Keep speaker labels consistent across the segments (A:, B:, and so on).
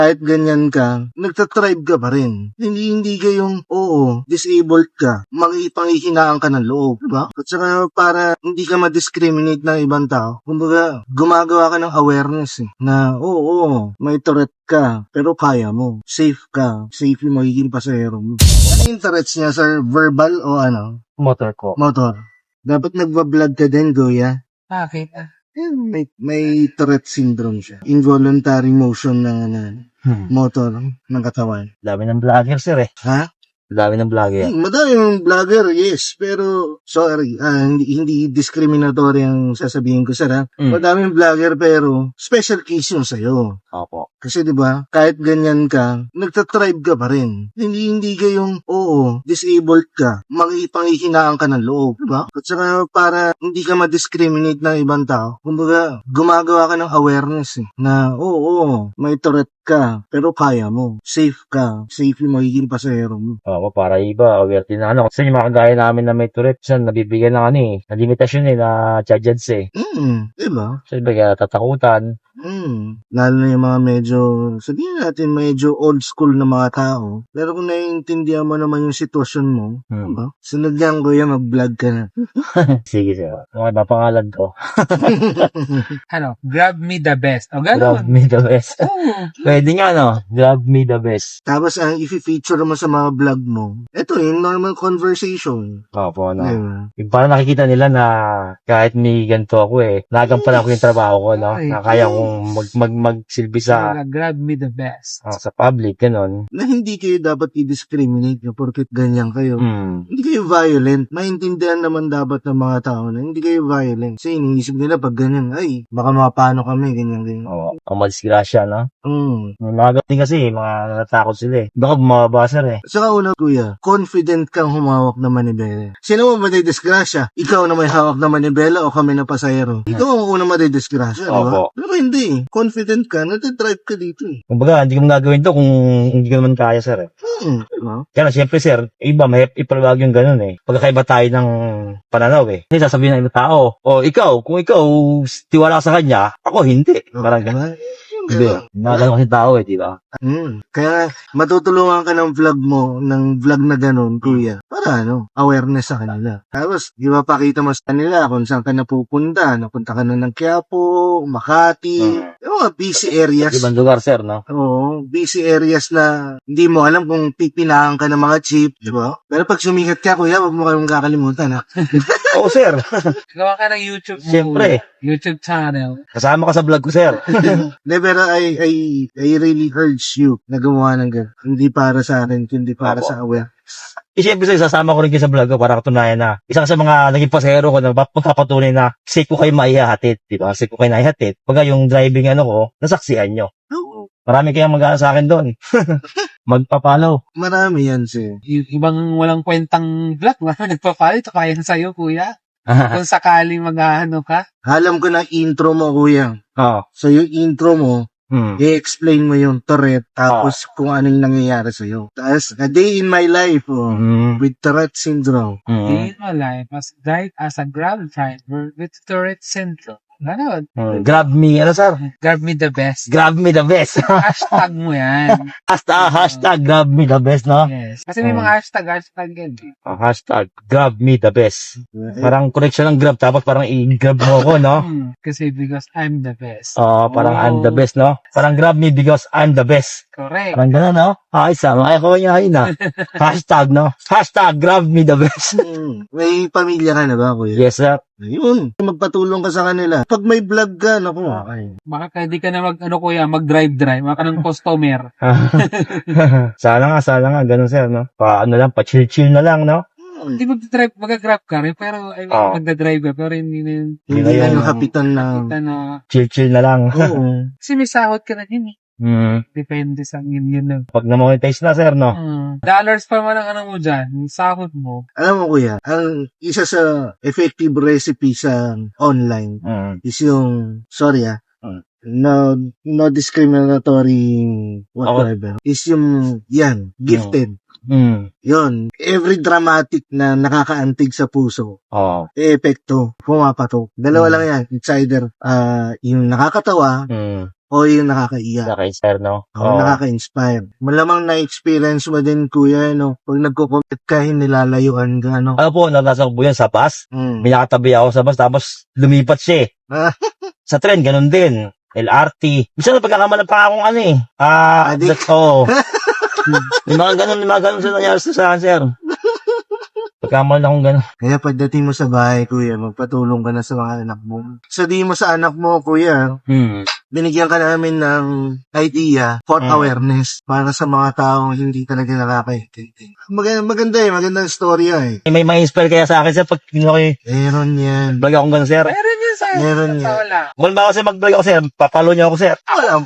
A: kahit ganyan ka, nagtatribe ka pa rin. Hindi ka yung, oo, disabled ka, panghihinaan ka ng loob, diba? At saka para hindi ka ma-discriminate ng ibang tao, kumbaga, gumagawa ka ng awareness na, oo, may Tourette ka, pero kaya mo. Safe ka. Safe yung magiging pasahero mo. Ano yung Tourette's niya, sir? Verbal o ano?
B: Motor ko.
A: Motor. Dapat nagbablog ka din, Goya.
C: Bakit?
A: May Tourette syndrome siya. Involuntary motion ng motor ng katawan.
B: Dami ng vlogger, sir eh.
A: Ha?
B: Dami ng vlogger.
A: Madami yung vlogger, yes. Pero, sorry, hindi discriminatory ang sasabihin ko, sir, ha? Madaming vlogger, pero special case yung sa'yo.
B: Opo.
A: Kasi 'di ba, kahit ganyan ka, nagtatribe ka pa rin. Hindi ka yung, oo, disabled ka, panghihinaan ka ng loob, 'di ba? At saka para hindi ka ma-discriminate ng ibang tao, kumbaga, gumagawa ka ng awareness na, oo, may Tourette ka, pero kaya mo. Safe ka. Safe yung magiging pasahero mo.
B: Opo, para iba, aware din na ano. Kasi yung mga kagaya namin na may Tourette, siya nabibigyan ng ano eh, na limitasyon eh, na charges eh.
A: 'Di ba?
B: So, iba kaya tatakutan.
A: Lalo na yung mga medyo, sabihin natin medyo old school na mga tao. Pero kung naiintindihan mo naman yung sitwasyon mo, diba? Sunod lang, Kuya, mag-vlog ka na.
B: Sige, sir. Ano ba pangalan ko?
C: Grab me the best. O,
B: Grab
C: gano'n.
B: me the best.
C: Oo.
B: Pwede nga, no? Grab me the best.
A: Tapos ang i-feature mo sa mga vlog mo, ito yung normal conversation.
B: Opo, no?
A: Diba?
B: Yung parang nakikita nila na kahit may ganito ako eh, nagampanan ko yung trabaho ko, no?
C: Ay.
B: Na kaya kong magsilbi sa
C: Grab me the best.
B: sa public, ganun.
A: Na hindi kayo dapat i-discriminate nyo porket ganyan kayo. Hindi kayo violent. Maintindihan naman dapat ng mga tao na hindi kayo violent. Kasi iniisip nila pag ganyan, ay, baka mapano kami, ganyan.
B: Oo, ang madisgrasya, no?
A: Mm.
B: Mga ganun kasi, mga natakot sila eh. Baka bumababa, sir eh.
A: Saka una, Kuya, confident kang humawak ng manibela. Sino mo madidisgrasya? Ikaw na may hawak na manibela o kami na pasahero? Ikaw ang una madidisgrasya, di ba?
B: Opo.
A: Pero hindi. Confident ka, nati-drive ka dito eh.
B: Kumbaga, hindi ko gagawin to kung hindi ko naman kaya, sir eh.
A: Diba?
B: Kaya na, siyempre, sir, iba, may ipalawag yung ganun eh. Pagkakaiba tayo ng pananaw eh. Kasi sasabihin ng ibang tao, ikaw, kung ikaw tiwala ka sa kanya, ako hindi. Parang ganun. Hindi. Nakagano kasi tao eh, di ba?
A: Kaya matutulungan ka ng vlog mo, ng vlog na ganun, Kuya, para awareness sa kanila. Tapos, di ba pakita mo sa kanila kung saan ka napupunta. Napunta ka na ng Quiapo, Makati, yung mga busy areas.
B: Ibang lugar, sir, no?
A: Oo, busy areas na hindi mo alam kung pipinahan ka ng mga jeep, di ba? Pero pag sumikat ka, Kuya, wag mo kayong kakalimutan, ha?
B: Oo, sir.
C: Gawa ka ng YouTube mo.
B: Siyempre.
C: YouTube channel.
B: Kasama ka sa vlog ko, sir.
A: Pero I really urge you na gumawa ng ganun. Hindi para sa akin, kundi para sa aware.
B: Siyempre, sir, sasama ko rin kayo sa vlog ko para katunayan na isang sa mga naging pasahero ko na magpapatunay na safe ko kayo maihahatid, di ba? Safe ko kayo naihatid. Pagka yung driving ko, nasaksihan nyo.
A: Oo.
B: Marami kayang mag-aano sa akin doon. Magpapalaw.
A: Marami yan, sir.
C: Yung ibang walang kwentang vlog, nagpa-follow, ito kaya sa'yo, Kuya. Kung sakaling mag-ano ka.
A: Alam ko na intro mo, Kuya.
B: Oo.
A: So, yung intro mo, i-explain mo yung Tourette, tapos kung anong nangyayari sa'yo. Tapos, a day in my life, with Tourette syndrome.
C: Day in my life, as a Grab driver with Tourette syndrome. Ganon.
B: Grab me, ano, sir?
C: Grab me the best.
B: Grab me the best.
C: Hashtag mo yan.
B: Hashtag grab me the best, no?
C: Yes. Kasi may mga hashtag yan.
B: Hashtag grab me the best. Parang correction ng grab, tapos parang i-grab mo ako, no?
C: Kasi because I'm the best.
B: Parang I'm the best, no? Parang grab me because I'm the best.
C: Correct.
B: Parang gano'n, no? Ay, sama kayo yun, na. Hashtag, no? Hashtag grab me the best.
A: May pamilya ka na ba, Kuya?
B: Yes, sir.
A: Yun. Magpatulong ka sa kanila. Pag may vlog ka, naku.
C: Baka hindi ka na Kuya, mag-drive-drive. Baka ng customer.
B: Sana nga, ganun, sir, no? Pa-chill-chill na lang, no?
C: Hindi mag-grab ka rin, pero magdadrive ka, pero hindi
A: Hindi na yung kapitan na.
B: Chill-chill na lang.
A: Oo.
C: Kasi may sahod ka na yun eh. Depende sa yun.
B: Pag na-monetize na, sir, no?
C: Dollars pa man ang mo dyan, yung sahod mo.
A: Alam mo, Kuya, ang isa sa effective recipe sa online is yung, no discriminatory whatever, is yung, gifted. Yun, every dramatic na nakakaantig sa puso,
B: Oo.
A: epekto, pumapatok. Dalawa lang yan, it's either yung nakakatawa o yung nakakaiyak.
B: Naka-inspire, no?
A: O nakaka-inspire. Malamang na-experience mo din, kuya, no? Pag nagko-commit ka, nilalayuan ka, no?
B: Ano po, nasa ko yan sa bus. May nakatabi ako sa bus, tapos lumipat siya eh. Sa tren, ganun din. LRT. Minsan na pagkakamalan pa akong ano eh.
A: Adik.
B: Oo. May mga ganun sa nangyari sa akin, sir. Pagkamalan akong ganun.
A: Kaya pagdating mo sa bahay, kuya, magpatulong ka na sa mga anak mo. Sabihin mo sa anak mo, kuya, binigyan ka namin ng idea for awareness para sa mga taong hindi talaga nakakaintindi. Maganda eh, magandang storya eh.
B: May ma-inspire kaya sa akin, sir, pag
A: Meron yan.
B: vlog akong ganun, sir.
C: Meron yun sa
A: Meron yan.
C: wala.
B: Kung ba ako, sir, mag-vlog ako, sir, papalo niyo ako, sir.
A: Walang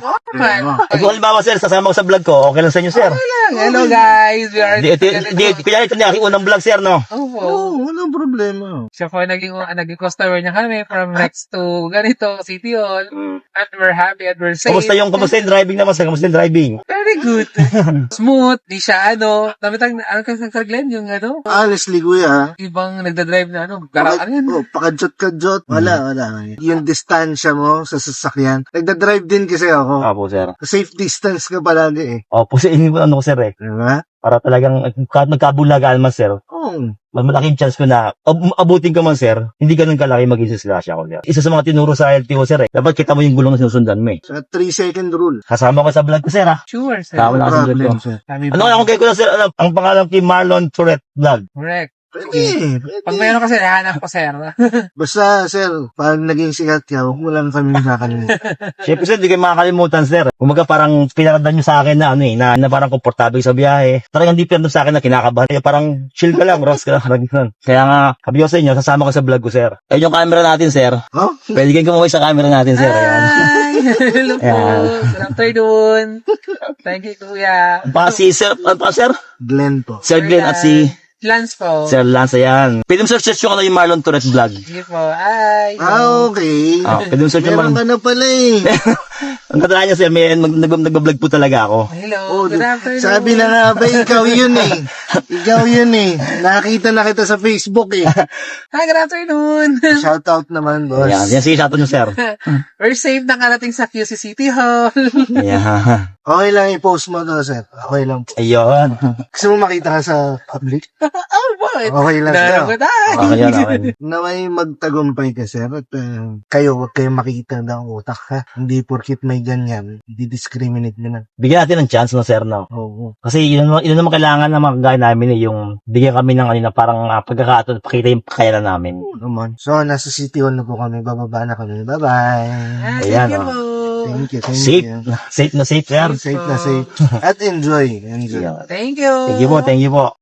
B: Kung ba ako, sir, sasama ko sa vlog ko, okay lang sa inyo, sir.
C: Hello guys, we are
B: Kaya ito na aking unang vlog, sir, no?
A: Oo, walang problema.
C: Siya po naging customer niya kami from next to ganito, City Hall. And we're happy and we're safe.
B: Kamusta yung driving naman, sir? Kamusta yung driving?
C: Very good. Smooth. Di siya namitang, Sir Glenn, yung
A: Honestly, kuya,
C: ibang nagdadrive na ano yun?
A: pakadjot-kadjot. Wala. Yung distansya mo sa sasakyan. Nagdadrive din kasi ako.
B: Opo, sir.
A: Safe distance ka palagi eh.
B: Opo, sir, ano ko, sir, eh.
A: Diba?
B: Para talagang, kahit magkabulagaan man, sir,
A: Oo.
B: malaking chance ko na, abutin ko man, sir, hindi ganun kalaki maging slash ako, sir. Isa sa mga tinuro sa LTO, sir, eh. Dapat kita mo yung gulong na sinusundan mo, eh.
A: Sa 3-second rule.
B: Kasama ko sa vlog ko, sir, ha?
C: Sure, sir.
B: Tama na sa vlog ko.
A: Sir.
B: Ano kaya kung kayo ko na, sir, ang pangalan kay Marlon Tourette Vlog?
C: Correct.
A: Pwede.
C: Pag meron kasi, nahanap ko, sir.
A: Basta, sir, pag naging sikat ka, huwag mo lang kami nakakalimutan.
B: Siyempre, sir, di kayo makakalimutan, sir. Kumaga parang pinaradan nyo sa akin na, na parang komportable sa biyahe. Talagang di pinaradan sa akin na kinakabahan. Kaya parang chill ka lang, Ross ka lang. Kaya nga, sabi ko sa inyo, sasama ko sa vlog ko, sir. Ayun yung camera natin, sir.
A: Oh?
B: Pwede kayong kumaway sa camera natin, sir. Ayan.
C: Hi! Hello po.
B: Ayan.
C: Good afternoon. Thank you, kuya.
B: Sir?
A: Glenn po.
B: Sir Glenn at si
C: Lance po.
B: Sir Lance, ayan. Pwede mo search yung yung Marlon Tourette Vlog.
C: Sige po. Hi.
A: Okay.
B: Pwede mo search yung
A: Meron ka na pala eh.
B: Ang katala niya, sir, nag-vlog po talaga ako.
C: Hello.
A: Oh,
C: Good afternoon.
A: sabi na nga ba, ikaw yun eh. Ikaw yun eh. Nakita na kita sa Facebook eh.
C: Hi, good afternoon.
A: Shoutout naman, boss.
B: Ayan, sige, shoutout nyo, sir.
C: We're safe na karating sa QC City Hall.
B: Ayan.
A: Okay lang i-post mo to, sir. Okay lang po.
B: Ayun.
A: Gusto mo makita ka sa public?
C: Oh, boy.
A: Okay lang sir.
B: Okay yan, okay.
A: Naway magtagumpay ka, sir. At kayo, huwag kayong makita ng utak, ha? Hindi porkit may ganyan. Di-discriminate nyo na.
B: Bigyan natin ng chance, no, sir, no?
A: Oo.
B: Kasi yun naman kailangan ng mga kagaya namin, eh, yung bigyan kami ng na parang pagkakataon, pakita yung kakayanan namin.
A: Oo naman. So, nasa City Hall na po kami. Bababa na kami. Bye-bye.
B: Ayan,
C: Thank you
B: oh.
C: po.
A: Thank you.
B: Safe. Safe na safe, sir.
A: Safe na safe. At enjoy.
B: Yeah.
C: Thank you.
B: Thank you po, thank you po.